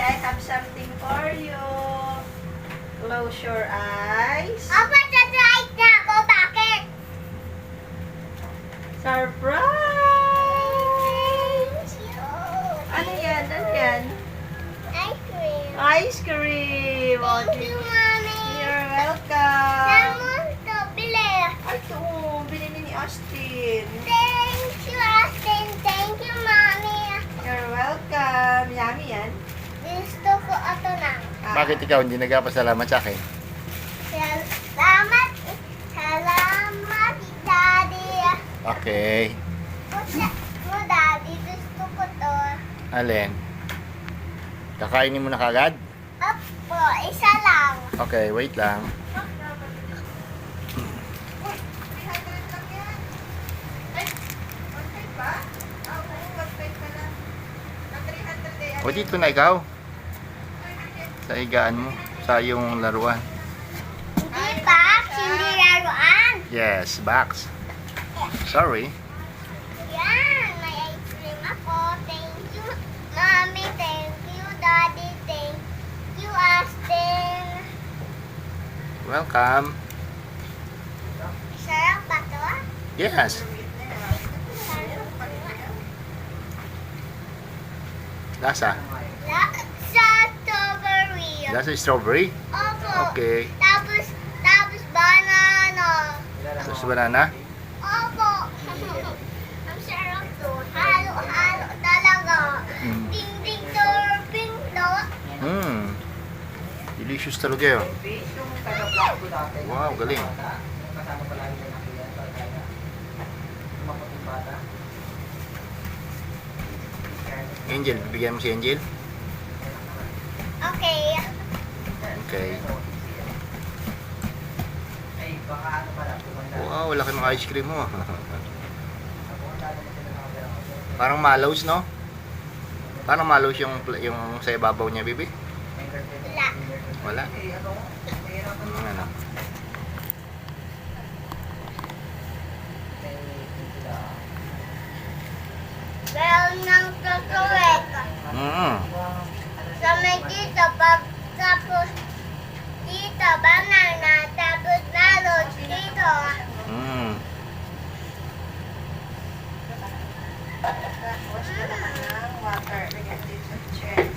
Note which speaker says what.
Speaker 1: I have something for you. Close your eyes.
Speaker 2: Apa sa-try na ako? Bakit?
Speaker 1: Surprise!
Speaker 2: Thank you.
Speaker 1: Ano yan? Ano yan?
Speaker 2: Ice cream.
Speaker 1: Ice cream! Oh,
Speaker 2: Thank you, Mommy.
Speaker 1: you're welcome.
Speaker 2: Saan mo ito bili?
Speaker 1: Ay, ito. Binili ni Austin.
Speaker 2: Thank you, Austin. Thank you, Mommy.
Speaker 1: You're welcome. Yummy yan.
Speaker 2: Gusto ko ito na.
Speaker 3: Bakit ikaw hindi nagpasalamat sa akin?
Speaker 2: Salamat. Salamat, Daddy.
Speaker 3: Okay.
Speaker 2: Mo, Daddy. Gusto ko to.
Speaker 3: Alin? Kakainin mo na kagad?
Speaker 2: Opo, isa lang.
Speaker 3: Okay, wait lang. O dito na ikaw. Sa higaan mo. Sa iyong laruan.
Speaker 2: Hindi ba? Hindi laruan.
Speaker 3: Yes, box. Sorry.
Speaker 2: Yan, may ice cream ako. Thank you, Mommy. Thank you, Daddy. Thank you, Austin.
Speaker 3: Welcome.
Speaker 2: Sarap ba to?
Speaker 3: Yes. Lasa.
Speaker 2: Sa strawberry.
Speaker 3: Lasa strawberry?
Speaker 2: Opo.
Speaker 3: Okay.
Speaker 2: Tapos banana.
Speaker 3: Tapos banana?
Speaker 2: Opo. Ang sarap to. Halo-halo talaga.
Speaker 3: Mm.
Speaker 2: Ding-ding topping to.
Speaker 3: Delicious talaga yun. Wow, galing. Angel, bibigyan mo si Angel?
Speaker 2: Okay.
Speaker 3: Okay. Wow, laki ng ice cream mo. Parang malaws, no? Parang malaws yung sa ibabaw niya, bibi?
Speaker 2: Wala.
Speaker 3: Wala? Ano?
Speaker 2: Meron ng tutuwek. Sa may dito, pag tapos dito, banana, tapos melon dito.
Speaker 1: Wash ka lang ng water. Lagyan dito sa chair.